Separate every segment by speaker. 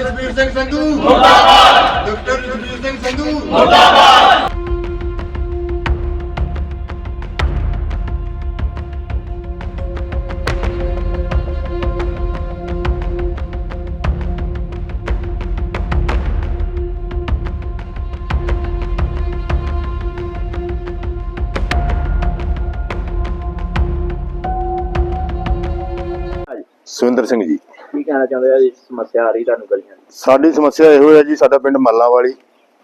Speaker 1: ਜਸਬੀਰ ਸਿੰਘ ਸੰਧੂ ਮੁਰਦਾਬਾਦ। ਡਾਕਟਰ ਜਸਬੀਰ ਸਿੰਘ ਸੰਧੂ ਮੁਰਦਾਬਾਦ।
Speaker 2: ਸੁਰਿੰਦਰ ਸਿੰਘ ਜੀ।
Speaker 3: ਕੀ ਕਹਿਣਾ ਚਾਹੁੰਦੇ ਆ ਜੀ? ਸਮੱਸਿਆ ਆ ਰਹੀ ਤੁਹਾਨੂੰ ਗਲੀਆਂ ਦੀ?
Speaker 2: ਸਾਡੀ ਸਮੱਸਿਆ ਇਹੋ ਹੈ ਜੀ, ਸਾਡਾ ਪਿੰਡ ਮੱਲਾਂ ਵਾਲੀ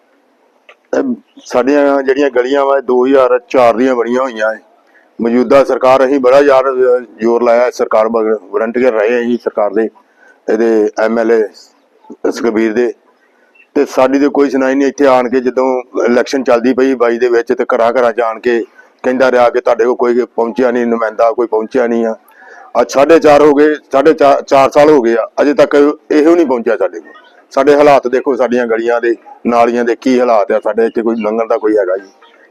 Speaker 2: ਸਾਡੀਆਂ ਜਿਹੜੀਆਂ ਗਲੀਆਂ ਵਾ 2004 ਦੀਆਂ ਬਣੀਆਂ ਹੋਈਆਂ ਹੈ। ਮੌਜੂਦਾ ਸਰਕਾਰ ਅਸੀਂ ਬੜਾ ਜ਼ੋਰ ਲਾਇਆ, ਸਰਕਾਰ ਵਰੰਟੀਅਰ ਰਹੇ ਅਸੀਂ ਸਰਕਾਰ ਦੇ, ਇਹਦੇ MLA ਸੁਖਬੀਰ ਦੇ, ਤੇ ਸਾਡੀ ਤੇ ਕੋਈ ਸੁਣਾਈ ਨਹੀਂ। ਇੱਥੇ ਆਣ ਕੇ ਜਦੋਂ ਇਲੈਕਸ਼ਨ ਚੱਲਦੀ ਪਈ 22 ਦੇ ਵਿੱਚ, ਤੇ ਘਰਾਂ ਘਰਾਂ ਜਾਣ ਕੇ ਕਹਿੰਦਾ ਰਿਹਾ ਕਿ ਤੁਹਾਡੇ ਕੋਲ ਕੋਈ ਪਹੁੰਚਿਆ ਨਹੀਂ, ਨੁਮਾਇੰਦਾ ਕੋਈ ਪਹੁੰਚਿਆ ਨਹੀਂ ਆ। ਅੱਜ 4.5 ਹੋ ਗਏ, 4.5 ਸਾਲ ਹੋ ਗਏ ਆ, ਅਜੇ ਤੱਕ ਇਹੋ ਨਹੀਂ ਪਹੁੰਚਿਆ ਸਾਡੇ ਕੋਲ। ਸਾਡੇ ਹਾਲਾਤ ਦੇਖੋ, ਸਾਡੀਆਂ ਗਲੀਆਂ ਦੇ ਨਾਲੀਆਂ ਦੇ ਕੀ ਹਾਲਾਤ ਆ। ਸਾਡੇ ਇੱਥੇ ਕੋਈ ਲੰਘਣ ਦਾ ਕੋਈ ਹੈਗਾ ਜੀ?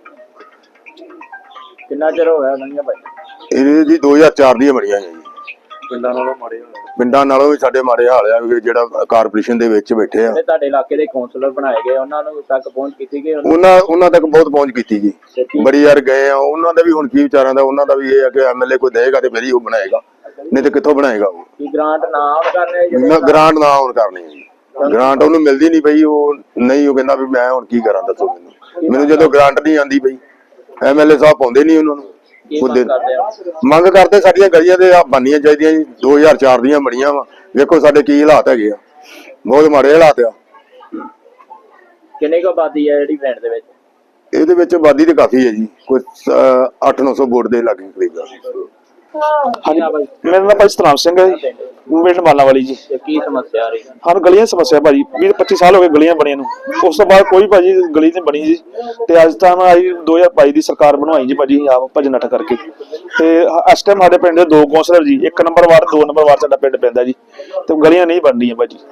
Speaker 3: ਕਿੰਨਾ ਚਿਰ ਹੋ ਗਿਆ ਗਲੀਆਂ ਭਾਈ?
Speaker 2: ਇਹ ਜੀ 2004 ਦੀਆਂ ਬਣੀਆਂ ਜੀ।
Speaker 3: ਪਿੰਡਾਂ ਨਾਲੋਂ ਮਾੜੇ ਹੋਏ?
Speaker 2: ਪਿੰਡਾਂ ਨਾਲੋਂ ਵੀ ਸਾਡੇ ਮਾੜੇ ਹਾਲ ਆ, ਜਿਹੜਾ ਕਾਰਪੋਰੇਸ਼ਨ ਦੇ ਵਿੱਚ ਬੈਠੇ ਆ।
Speaker 3: ਤੁਹਾਡੇ ਇਲਾਕੇ ਦੇ ਕੌਂਸਲਰ ਬਣਾਏ ਗਏ, ਉਹਨਾਂ ਨੂੰ ਤੱਕ ਪਹੁੰਚ ਕੀਤੀ ਗਈ?
Speaker 2: ਉਹਨਾਂ ਤੱਕ ਬਹੁਤ ਪਹੁੰਚ ਕੀਤੀ ਜੀ, ਬੜੀ ਯਾਰ ਗਏ ਆ। ਉਹਨਾਂ ਦਾ ਵੀ ਹੁਣ ਕੀ ਵਿਚਾਰਾਂ ਦਾ, ਉਹਨਾਂ ਦਾ ਵੀ ਇਹ ਆ ਕਿ MLA ਕੋਈ ਦੇਗਾ ਤੇ ਫਿਰ ਹੀ ਉਹ ਬਣਾਏਗਾ, ਨਹੀਂ ਤੇ ਕਿੱਥੋਂ ਬਣਾਏਗਾ ਉਹ?
Speaker 3: ਗ੍ਰਾਂਟ ਨਾ ਆਉਣ ਕਰਨੇ?
Speaker 2: ਗ੍ਰਾਂਟ ਨਾ ਆਉਣ ਕਰਨੀ ਜੀ, ਗ੍ਰਾਂਟ ਉਹਨੂੰ ਮਿਲਦੀ ਨਹੀਂ ਪਈ। ਉਹ ਨਹੀਂ, ਉਹ ਕਹਿੰਦਾ ਵੀ ਮੈਂ ਹੁਣ ਕੀ ਕਰਾਂ, ਦੱਸੋ ਮੈਨੂੰ ਜਦੋਂ ਗ੍ਰਾਂਟ ਨਹੀਂ ਆਂਦੀ ਪਈ। MLA ਸਾਹਿਬ ਪਾਉਂਦੇ ਨਹੀਂ ਉਹਨਾਂ ਨੂੰ। ਮੰਗ ਕਰਦੇ ਸਾਡੀਆਂ ਗਲੀਆਂ ਦੇ ਬਣਨੀਆਂ ਚਾਹੀਦੀਆਂ ਜੀ, 2004 ਦੀਆਂ ਬਣੀਆਂ ਵਾ। ਵੇਖੋ ਸਾਡੇ ਕੀ ਹਾਲਾਤ ਹੈਗੇ ਆ, ਬਹੁਤ ਮਾੜੇ ਹਾਲਾਤ ਆ।
Speaker 3: ਕਿੰਨੀ ਕੁ ਆਬਾਦੀ ਹੈ ਜਿਹੜੀ ਪਿੰਡ ਦੇ ਵਿੱਚ?
Speaker 2: ਇਹਦੇ ਵਿੱਚ ਆਬਾਦੀ ਤੇ ਕਾਫੀ ਹੈ ਜੀ, ਕੋਈ 800-900 ਵੋਟ ਦੇ ਲਾਗੇ ਕਰੀਬ ਆ।
Speaker 4: ਹਾਂਜੀ ਮੇਰਾ ਨਾਮ ਭਾਈ ਸਤਨਾਮ ਸਿੰਘ ਹੈ ਜੀ, ਪਿੰਡ ਮਾਲਾ ਵਾਲੀ ਜੀ।
Speaker 3: ਕੀ ਸਮੱਸਿਆ ਆ ਰਹੀ?
Speaker 4: ਸਾਨੂੰ ਗਲੀਆਂ ਦੀ ਸਮੱਸਿਆ ਭਾਜੀ, 20-25 ਸਾਲ ਹੋ ਗਏ ਗਲੀਆਂ ਬਣੀਆਂ ਨੂੰ। ਉਸ ਤੋਂ ਬਾਅਦ ਕੋਈ ਭਾਜੀ ਗਲੀ ਨਹੀਂ ਬਣੀ ਜੀ। ਤੇ ਅੱਜ ਤਾਂ ਆਈ 2022 ਦੀ ਸਰਕਾਰ ਬਣਵਾਈ ਜੀ ਭਾਜੀ, ਆਪ ਭਜਨ ਨੱਠ ਕਰਕੇ। ਤੇ ਇਸ ਟਾਈਮ ਸਾਡੇ ਪਿੰਡ ਦੇ 2 ਕੌਂਸਲਰ ਜੀ, 1 ਨੰਬਰ ਵਾਰਡ 2 ਨੰਬਰ ਵਾਰਡ ਸਾਡਾ ਪਿੰਡ ਪੈਂਦਾ ਜੀ, ਤੇ ਗਲੀਆਂ ਨਹੀਂ ਬਣ ਰਹੀਆਂ ਭਾਜੀ।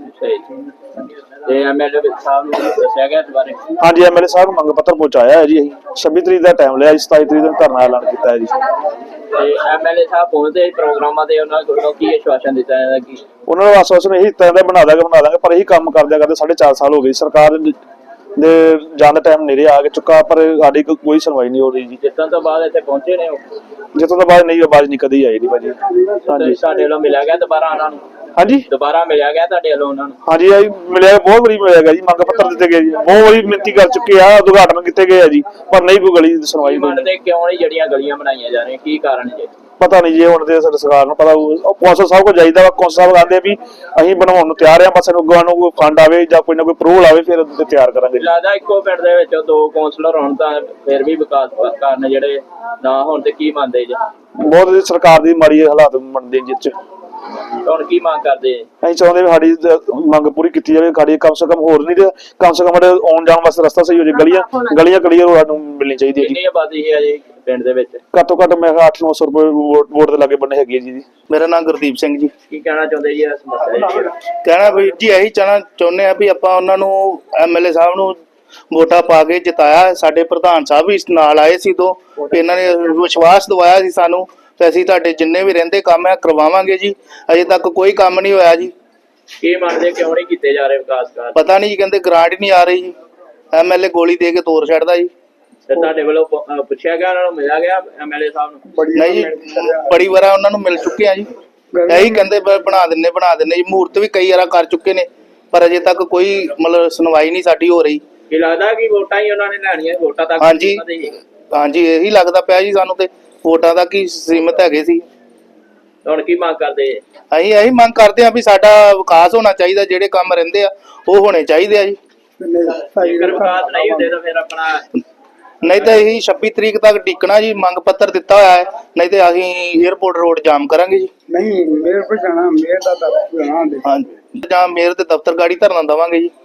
Speaker 3: ਤੇ MLA ਸਾਹਿਬ ਨੂੰ ਦੱਸਿਆ ਗਿਆ ਇਸ ਬਾਰੇ?
Speaker 4: ਹਾਂਜੀ, MLA ਸਾਹਿਬ ਨੂੰ ਮੰਗ ਪੱਤਰ ਪਹੁੰਚਾਇਆ ਹੈ ਜੀ। ਅਸੀਂ 26 ਤਰੀਕ ਦਾ ਟਾਈਮ ਲਿਆ ਜੀ, 27 ਤਰੀਕ ਨੂੰ ਧਰਨਾ ਐਲਾਨ ਕੀਤਾ ਹੈ ਜੀ।
Speaker 3: ਤੇ MLA ਸਾਹਿਬ ਪਹੁੰਚਦੇ ਪ੍ਰੋਗਰਾਮਾਂ ਦੇ ਉਹਨਾਂ ਕੋਲੋਂ ਕੀ ਆਸ਼ਵਾਸਨ ਦਿੱਤਾ ਜਾਂਦਾ? ਕੀ
Speaker 4: ਉਹਨਾਂ ਨੂੰ ਆਸ਼ਵਾਸਨ ਇਹੀ ਦਿੱਤਾ ਜਾਂਦਾ, ਬਣਾ ਦਾਂਗੇ, ਪਰ ਇਹੀ ਕੰਮ ਕਰਦੇ 4.5 ਸਾਲ ਹੋ ਗਏ। ਸਰਕਾਰ ਦੇ ਜਾਣ ਦਾ ਟਾਈਮ ਨੇੜੇ ਆ ਕੇ ਚੁੱਕਾ, ਪਰ ਸਾਡੀ ਕੋਈ ਸੁਣਵਾਈ ਨਹੀਂ ਹੋ ਰਹੀ ਜੀ।
Speaker 3: ਜਿੱਤਣ ਤੋਂ ਬਾਅਦ ਇੱਥੇ ਪਹੁੰਚੇ ਨੇ ਉਹ?
Speaker 4: ਜਿੱਤੋਂ ਤੋਂ ਬਾਅਦ ਨਹੀਂ, ਆਵਾਜ਼ ਨਹੀਂ ਕਦੀ ਆਈ ਨਹੀਂ ਭਾਜੀ।
Speaker 3: ਹਾਂਜੀ, ਸਾਡੇ ਵੱਲੋਂ ਮਿਲਿਆ ਗਿਆ ਦੁਬਾਰਾ ਉਹਨਾਂ ਨੂੰ?
Speaker 4: ਹਾਂਜੀ,
Speaker 3: ਦੁਬਾਰਾ ਮਿਲਿਆ ਗਿਆ ਤੁਹਾਡੇ ਵੱਲੋਂ ਉਹਨਾਂ ਨੂੰ?
Speaker 4: ਹਾਂਜੀ ਮਿਲਿਆ, ਬਹੁਤ ਵਾਰੀ ਮਿਲਿਆ ਗਿਆ ਜੀ। ਮੰਗ ਪੱਤਰ ਦਿੱਤੇ ਗਏ ਜੀ, ਬਹੁਤ ਵਾਰੀ ਮਿਹਨਤੀ ਕਰ ਚੁੱਕੇ ਆ, ਉਦਘਾਟਨ ਕੀਤੇ ਗਏ ਆ ਜੀ, ਪਰ ਨਹੀਂ ਕੋਈ ਗਲੀ ਦੀ ਸੁਣਵਾਈ ਹੋਈ।
Speaker 3: ਕਿਉਂ ਨਹੀਂ ਜਿਹੜੀਆਂ ਗਲੀਆਂ ਬਣਾਈਆਂ ਜਾ ਰਹੀਆਂ, ਕੀ ਕਾਰਨ ਜੀ?
Speaker 4: ਪਤਾ ਨਹੀਂ ਜੀ, ਹੁਣ ਤੇ ਸਰਕਾਰ ਨੂੰ ਪਤਾ। ਕੌਂਸਲ ਸਾਹਿਬ ਕੋਲ ਜਾਈਦਾ ਵਾ, ਕੌਂਸਲ ਸਾਹਿਬ ਕਹਿੰਦੇ ਵੀ ਅਸੀਂ ਬਣਾਉਣ ਨੂੰ ਤਿਆਰ ਆ, ਬਸ ਸਾਨੂੰ ਅੱਗੋਂ ਨੂੰ ਕੋਈ ਫੰਡ ਆਵੇ ਜਾਂ ਕੋਈ ਨਾ ਕੋਈ ਅਪਰੂਵਲ ਆਵੇ, ਫਿਰ ਉਹਦੇ ਤੇ ਤਿਆਰ ਕਰਾਂਗੇ।
Speaker 3: ਲੱਗਦਾ ਇੱਕੋ ਪਿੰਡ ਦੇ ਵਿੱਚ 2 ਕੌਂਸਲਰ ਹੋਣ ਤਾਂ ਫਿਰ ਵੀ ਵਿਕਾਸ ਕਾਰਨ ਜਿਹੜੇ ਨਾ ਹੋਣ ਤੇ ਕੀ ਮੰਨਦੇ ਜੀ?
Speaker 4: ਬਹੁਤ ਸਰਕਾਰ ਦੀ ਮਾੜੀ ਹਾਲਾਤ ਬਣਦੇ ਜਿਸ ਚ।
Speaker 3: ਹੁਣ ਕੀ ਮੰਗ ਕਰਦੇ?
Speaker 4: ਅਸੀਂ ਚਾਹੁੰਦੇ ਵੀ ਸਾਡੀ ਮੰਗ ਪੂਰੀ ਕੀਤੀ ਜਾਵੇ। ਸਾਡੀ ਕਮ ਸੇ ਕਮ ਹੋਰ ਨਹੀਂ ਤੇ ਕਮ ਸੇ ਕਮ ਸਾਡੇ ਆਉਣ ਜਾਣ ਵਾਸਤੇ ਰਸਤਾ ਸਹੀ ਹੋ ਜਾਏ। ਗਲੀਆਂ ਕਲੀਅਰ ਸਾਨੂੰ ਮਿਲਣੀ ਚਾਹੀਦੀ ਹੈ ਜੀ।
Speaker 3: ਕਿੰਨੀ ਆਬਾਦੀ ਹੈ ਜੀ ਪਿੰਡ ਦੇ ਵਿੱਚ?
Speaker 4: ਘੱਟੋ ਘੱਟ ਮੈਂ 800-900 ਰੁਪਏ ਵੋਟ ਦੇ ਲਾਗੇ ਬੰਨੇ ਹੈਗੀ ਹੈ ਜੀ।
Speaker 5: ਮੇਰਾ ਨਾਮ ਗੁਰਦੀਪ ਸਿੰਘ ਜੀ।
Speaker 3: ਕੀ ਕਹਿਣਾ ਚਾਹੁੰਦੇ ਜੀ ਇਸ ਸਮੱਸਿਆ ਦੀ?
Speaker 5: ਕਹਿਣਾ ਵੀ ਜੀ ਇਹੀ ਚਾਹੁੰਦੇ ਆ ਵੀ ਆਪਾਂ ਉਹਨਾਂ ਨੂੰ MLA ਸਾਹਿਬ ਨੂੰ ਵੋਟਾਂ ਪਾ ਕੇ ਜਿਤਾਇਆ। ਸਾਡੇ ਪ੍ਰਧਾਨ ਸਾਹਿਬ ਵੀ ਨਾਲ ਆਏ ਸੀ, ਇਹਨਾਂ ਨੇ ਵਿਸ਼ਵਾਸ ਦਿਵਾਇਆ ਸੀ ਸਾਨੂੰ, ਤੇ ਅਸੀਂ ਤੁਹਾਡੇ ਜਿੰਨੇ ਵੀ ਰਹਿੰਦੇ ਕੰਮ ਆ ਕਰਵਾਵਾਂਗੇ ਜੀ। ਅਜੇ ਤੱਕ ਕੋਈ ਕੰਮ ਨਹੀਂ ਹੋਇਆ ਜੀ।
Speaker 3: ਕੀ ਮੰਨਦੇ, ਕਿਉਂ ਨਹੀਂ ਕੀਤੇ ਜਾ ਰਹੇ ਵਿਕਾਸ ਕਾਰਜ?
Speaker 5: ਪਤਾ ਨਹੀਂ ਜੀ, ਕਹਿੰਦੇ ਗ੍ਰਾਂਟ ਹੀ ਨਹੀਂ ਆ ਰਹੀ ਜੀ। MLA ਗੋਲੀ ਦੇ ਕੇ ਤੋੜ ਛੱਡਦਾ ਜੀ।
Speaker 3: ਤੇ ਤੁਹਾਡੇ ਵੱਲੋਂ ਪੁੱਛਿਆ ਗਿਆ, ਉਹਨਾਂ ਨੂੰ ਮਿਲਿਆ ਗਿਆ MLA ਸਾਹਿਬ ਨੂੰ?
Speaker 5: ਨਹੀਂ ਜੀ, ਬੜੀ ਵਾਰ ਉਹਨਾਂ ਨੂੰ ਮਿਲ ਚੁੱਕੇ ਆ ਜੀ। ਇਹੀ ਕਹਿੰਦੇ ਬਣਾ ਦਿੰਨੇ ਜੀ। ਮੂਰਤ ਵੀ ਕਈ ਵਾਰ ਕਰ ਚੁੱਕੇ ਨੇ, ਪਰ ਅਜੇ ਤੱਕ ਕੋਈ ਮਤਲਬ ਸੁਣਵਾਈ ਨਹੀਂ ਸਾਡੀ ਹੋ ਰਹੀ।
Speaker 3: ਕੀ ਲੱਗਦਾ ਕਿ ਵੋਟਾਂ ਹੀ ਉਹਨਾਂ ਨੇ ਲੈਣੀਆਂ, ਵੋਟਾਂ ਤੱਕ?
Speaker 5: ਹਾਂਜੀ ਇਹੀ ਲੱਗਦਾ ਪਿਆ ਜੀ ਸਾਨੂੰ, ਤੇ ਵੋਟਾਂ ਤੱਕ ਹੀ ਸੀਮਿਤ ਹੈਗੇ ਸੀ।
Speaker 3: ਹੁਣ ਕੀ ਮੰਗ ਕਰਦੇ?
Speaker 5: ਅਸੀਂ ਇਹੀ ਮੰਗ ਕਰਦੇ ਆ ਵੀ ਸਾਡਾ ਵਿਕਾਸ ਹੋਣਾ ਚਾਹੀਦਾ, ਜਿਹੜੇ ਕੰਮ ਰਹਿੰਦੇ ਆ ਉਹ ਹੋਣੇ ਚਾਹੀਦੇ ਆ ਜੀ।
Speaker 3: ਜੇਕਰ ਵਿਕਾਸ ਨਹੀਂ ਹੁੰਦੇ ਤਾਂ ਫਿਰ ਆਪਣਾ
Speaker 5: ਨਹੀਂ ਤਾਂ ਇਹੀ 26 ਤਰੀਕ ਤੱਕ ਟਿਕਣਾ ਜੀ। ਮੰਗ ਪੱਤਰ ਦਿੱਤਾ ਹੋਇਆ ਹੈ, ਨਹੀਂ ਤੇ ਅਸੀਂ 에ਅਰਪੋਰਟ ਰੋਡ ਜਾਮ ਕਰਾਂਗੇ ਜੀ।
Speaker 6: ਨਹੀਂ ਮੇਅਰ ਕੋਲ ਜਾਣਾ, ਮੇਅਰ ਦਾ ਦਫ਼ਤਰ ਜਾਣਾ।
Speaker 5: ਹਾਂਜੀ, ਜਾਂ ਮੇਅਰ ਦੇ ਦਫ਼ਤਰ ਗਾੜੀ ਧਰਨਾ ਦੇਵਾਂਗੇ ਜੀ।